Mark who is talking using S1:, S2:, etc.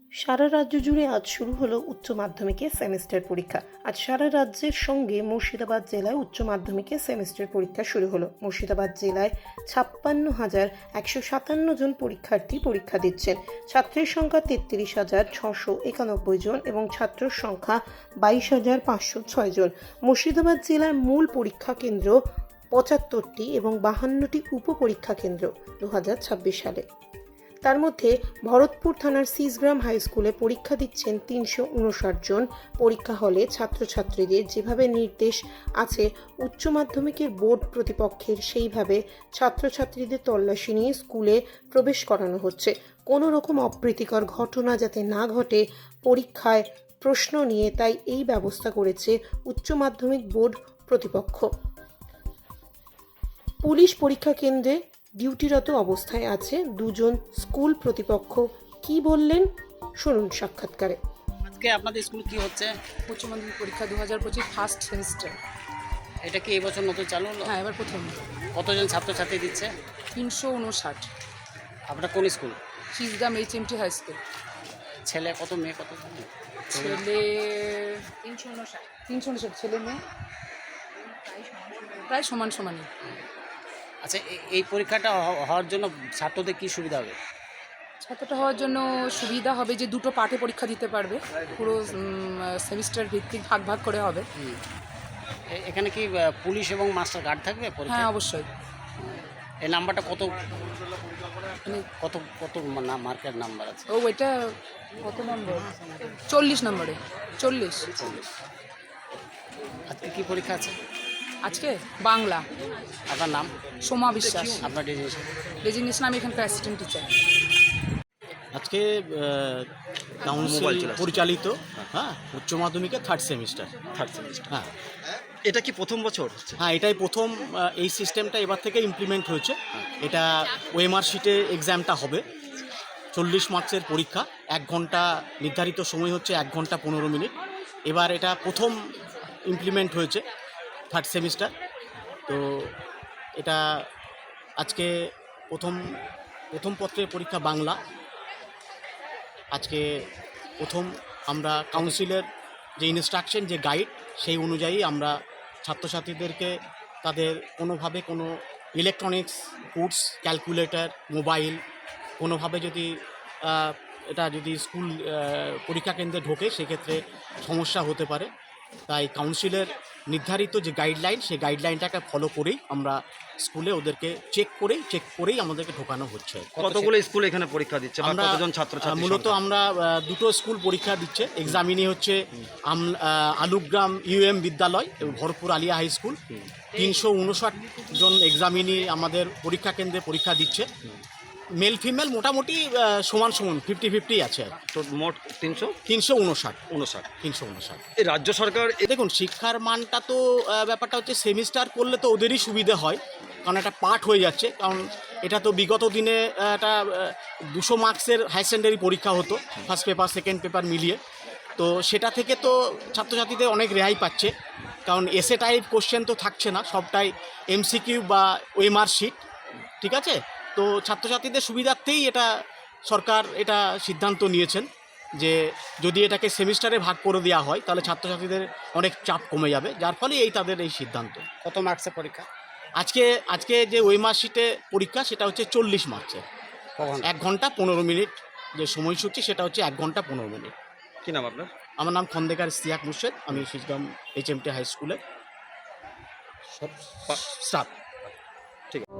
S1: সারা রাজ্য জুড়ে আজ শুরু হলো উচ্চ মাধ্যমিকের সেমিস্টার পরীক্ষা। আজ সারা রাজ্যের সঙ্গে মুর্শিদাবাদ জেলায় উচ্চ মাধ্যমিকের সেমিস্টার পরীক্ষা শুরু হলো। মুর্শিদাবাদ জেলায় 56,157 জন পরীক্ষার্থী পরীক্ষা দিচ্ছেন। ছাত্রের সংখ্যা 33,691 জন এবং ছাত্রের সংখ্যা 22,506 জন। মুর্শিদাবাদ জেলার মূল পরীক্ষা কেন্দ্র 75টি এবং 52টি উপপরীক্ষা কেন্দ্র 2026 সালে। তার মধ্যে ভরতপুর থানার সিসগ্রাম হাই স্কুলে পরীক্ষা দিচ্ছেন 359 জন। পরীক্ষা হলে ছাত্রছাত্রীদের যেভাবে নির্দেশ আছে উচ্চ মাধ্যমিকের বোর্ড প্রতিপক্ষের, সেইভাবে ছাত্রছাত্রীদের তল্লাশি নিয়ে স্কুলে প্রবেশ করানো হচ্ছে। কোনো রকম অপ্রীতিকর ঘটনা যাতে না ঘটে পরীক্ষায় প্রশ্ন নিয়ে, তাই এই ব্যবস্থা করেছে উচ্চ মাধ্যমিক বোর্ড প্রতিপক্ষ। পুলিশ পরীক্ষা কেন্দ্রে ডিউটিরত অবস্থায় আছে দুজন স্কুল প্রতিপক্ষ। কি বললেন শুনুন সাক্ষাৎকারে।
S2: আজকে আপনাদের স্কুল কি হচ্ছে?
S3: উচ্চ মাধ্যমিক পরীক্ষা 2025 ফার্স্ট সেমিস্টার।
S2: এটা কি এবছর নতুন চালু হলো?
S3: হ্যাঁ, এবার প্রথম।
S2: কতজন ছাত্রছাত্রী দিচ্ছে?
S3: 359।
S2: আপনার কোন school?
S3: Sisgram HMT high school.
S2: ছেলে কত, মেয়ে কত?
S3: ছেলে 359, ছেলে মেয়ে প্রায় সমান সমানই।
S2: আচ্ছা, এই পরীক্ষাটা হওয়ার জন্য ছাত্রদের কি সুবিধা হবে?
S3: ছাত্রটা হওয়ার জন্য সুবিধা হবে যে দুটো পার্টে পরীক্ষা দিতে পারবে, পুরো সেমিস্টার ভিত্তিক ভাগ ভাগ করে হবে।
S2: এখানে কি পুলিশ এবং মাস্টার গার্ড থাকবে
S3: হ্যাঁ,
S2: পরীক্ষায়?
S3: অবশ্যই।
S2: এই নাম্বারটা কত
S3: মানে
S2: কত কত মার্কের নাম্বার আছে?
S3: ওইটা কত নম্বর? 40 নম্বরে। 40।
S2: আজকে কি পরীক্ষা আছে?
S3: আজকে বাংলা।
S2: আপনার নাম?
S3: সোমা বিশ্বাস।
S2: আপনার
S3: রেজিগনেশন। আমি এখানকার অ্যাসিস্ট্যান্ট টিচার।
S4: আজকে কাউন্সিল পরিচালিত উচ্চ মাধ্যমিকের থার্ড সেমিস্টার। হ্যাঁ,
S5: এটা কি প্রথম বছর হচ্ছে?
S4: হ্যাঁ, এটাই প্রথম। এই সিস্টেমটা এবার থেকে ইমপ্লিমেন্ট হয়েছে। এটা ওএমআর শিটে এক্সামটা হবে। 40 মার্কসের পরীক্ষা, 1 ঘন্টা নির্ধারিত সময় হচ্ছে 1 ঘন্টা 15 মিনিট। এবার এটা প্রথম ইমপ্লিমেন্ট হয়েছে থার্ড সেমিস্টার। তো এটা আজকে প্রথম পত্রের পরীক্ষা বাংলা। আজকে প্রথম আমরা কাউন্সিলের যে ইনস্ট্রাকশন, যে গাইড, সেই অনুযায়ী আমরা ছাত্রছাত্রীদেরকে তাদের কোনোভাবে কোনো ইলেকট্রনিক্স গুডস, ক্যালকুলেটর, মোবাইল কোনোভাবে যদি এটা যদি স্কুল পরীক্ষা কেন্দ্রে ঢোকে সেক্ষেত্রে সমস্যা হতে পারে। তাই কাউন্সিলের নির্ধারিত যে গাইডলাইন, সেই গাইডলাইনটাকে ফলো করেই আমরা স্কুলে ওদেরকে চেক করেই আমাদেরকে ঢোকানো হচ্ছে।
S5: কতগুলো স্কুল এখানে পরীক্ষা দিচ্ছে?
S4: আমরা
S5: কতজন ছাত্রছাত্রী?
S4: মূলত আমরা দুটো স্কুল পরীক্ষা দিচ্ছে। এক্সামিনি হচ্ছে আলুগ্রাম UM বিদ্যালয় এবং ভরপুর আলিয়া হাই স্কুল। 359 জন এক্সামিনি আমাদের পরীক্ষা কেন্দ্রে পরীক্ষা দিচ্ছে। মেল ফিমেল মোটামুটি সমান 50-50 আছে।
S5: তো মোট
S4: 359।
S5: এই রাজ্য সরকার
S4: দেখুন, শিক্ষার মানটা তো ব্যাপারটা হচ্ছে সেমিস্টার করলে তো ওদেরই সুবিধে হয়, কারণ এটা পাঠ হয়ে যাচ্ছে। কারণ এটা তো বিগত দিনে একটা 200 মার্কসের হায়ার সেকেন্ডারি পরীক্ষা হতো, ফার্স্ট পেপার সেকেন্ড পেপার মিলিয়ে। তো সেটা থেকে তো ছাত্রছাত্রীদের অনেক রেহাই পাচ্ছে, কারণ এসএ টাইপ কোশ্চেন তো থাকছে না, সবটাই MCQ বা ওএমআর শিট। ঠিক আছে, তো ছাত্রছাত্রীদের সুবিধার্থেই এটা সরকার এটা সিদ্ধান্ত নিয়েছেন যে যদি এটাকে সেমিস্টারে ভাগ করে দেওয়া হয় তাহলে ছাত্রছাত্রীদের অনেক চাপ কমে যাবে, যার ফলে তাদের এই সিদ্ধান্ত।
S2: কত মার্কসের পরীক্ষা?
S4: আজকে যে ওএমআর শিটে পরীক্ষা সেটা হচ্ছে 40 মার্কসের। 1 ঘন্টা 15 মিনিট যে সময়সূচি, সেটা হচ্ছে 1 ঘন্টা 15 মিনিট।
S5: কি নাম আপনার?
S4: আমার নাম খন্দেকার ইশতিয়াক মুর্শেদ। আমি সিসগ্রাম HMT হাই স্কুলে স্টাফ।
S5: ঠিক আছে।